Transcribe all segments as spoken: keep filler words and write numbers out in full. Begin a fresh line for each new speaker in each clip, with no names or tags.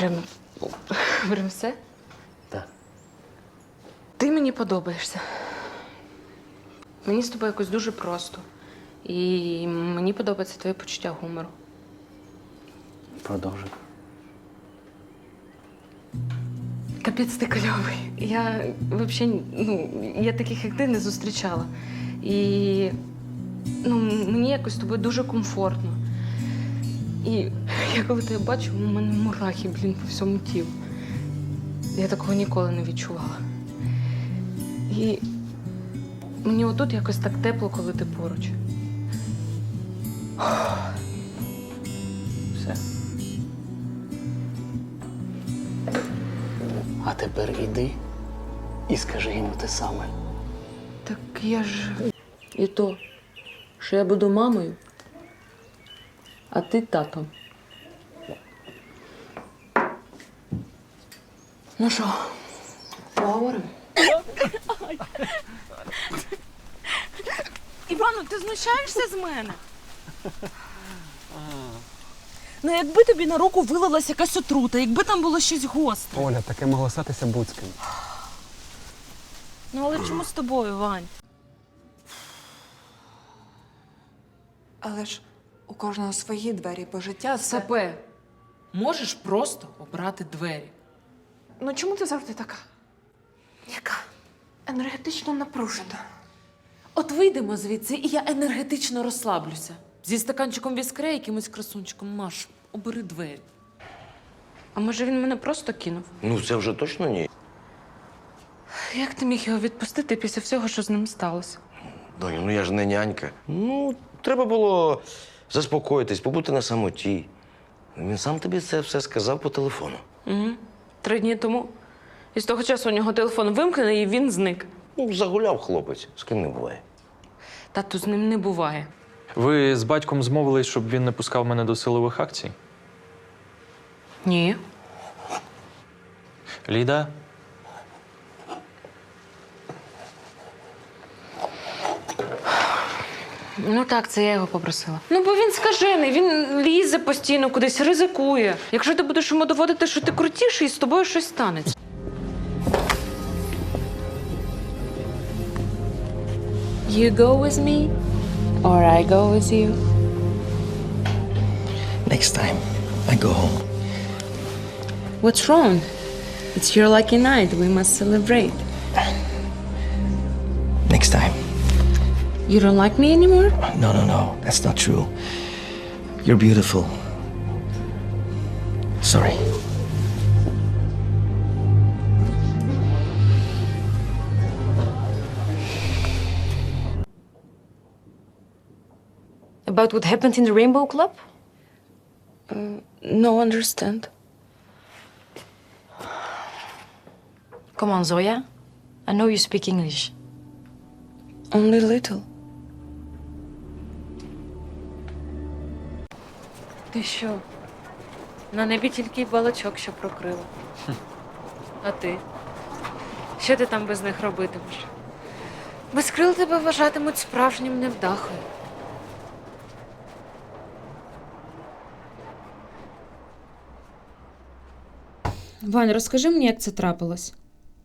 Прям, прям все?
Так.
Ти мені подобаєшся. Мені з тобою якось дуже просто. І мені подобається твоє почуття гумору.
Продовжуй.
Капець ти кльовий. Я взагалі, ну, я таких, як ти, не зустрічала. І ну, мені якось з тобою дуже комфортно. І я коли тебе бачу, у мене мурахи, блін, по всьому тілу. Я такого ніколи не відчувала. І мені отут якось так тепло, коли ти поруч.
Все. А тепер іди і скажи йому те саме.
Так я ж... І то, що я буду мамою, а ти татом. Ну що, поговоримо?
Івану, ти знущаєшся з мене? Ну, якби тобі на руку вилилась якась отрута, якби там було щось гостре.
Оля, таке могло статися Буцьким.
Ну, але чому з тобою, Вань?
Але ж у кожного свої двері, бо життя це...
Сапе, можеш просто обрати двері.
Ну чому ти завжди така? Яка? Енергетично напружена.
От вийдемо звідси, і я енергетично розслаблюся. Зі стаканчиком віскре, якимось красунчиком. Маш, обери двері. А може він мене просто кинув?
Ну, це вже точно ні.
Як ти міг його відпустити після всього, що з ним сталося?
Доню, ну я ж не нянька. Ну, треба було заспокоїтись, побути на самоті. Він сам тобі це все сказав по телефону.
Угу. Три дні тому. І з того часу у нього телефон вимкнений, і він зник.
Ну, загуляв хлопець, з ким не буває.
Тату, з ним не буває.
Ви з батьком змовились, щоб він не пускав мене до силових акцій?
Ні.
Ліда?
Ну так, це я його попросила. Ну, бо він скажений, він лізе постійно кудись, ризикує. Якщо ти будеш йому доводити, що ти крутіший, з тобою щось станеться. You go with me, or I go with you?
Next time, I go home.
What's wrong? It's your lucky night. We must celebrate.
Next time.
You don't like me anymore?
No, no, no. That's not true. You're beautiful. Sorry.
About what happened in the Rainbow Club?
No understand.
Come on, Zoya. I know you speak English.
Only little. Ти що? На небі тільки балачок, що прокрила. А ти? Що ти там без них робитимеш? Без крил тебе вважатимуть справжнім невдахою.
Вань, розкажи мені, як це трапилось.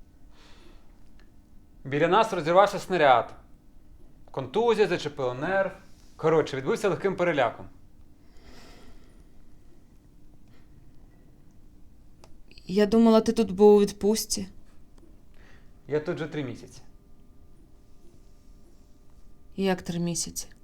Біля нас розірвався снаряд. Контузія, зачепило нерв. Коротше, відбувся легким переляком.
Я думала, ти тут був у відпустці.
Я тут вже три місяці.
Як три місяці?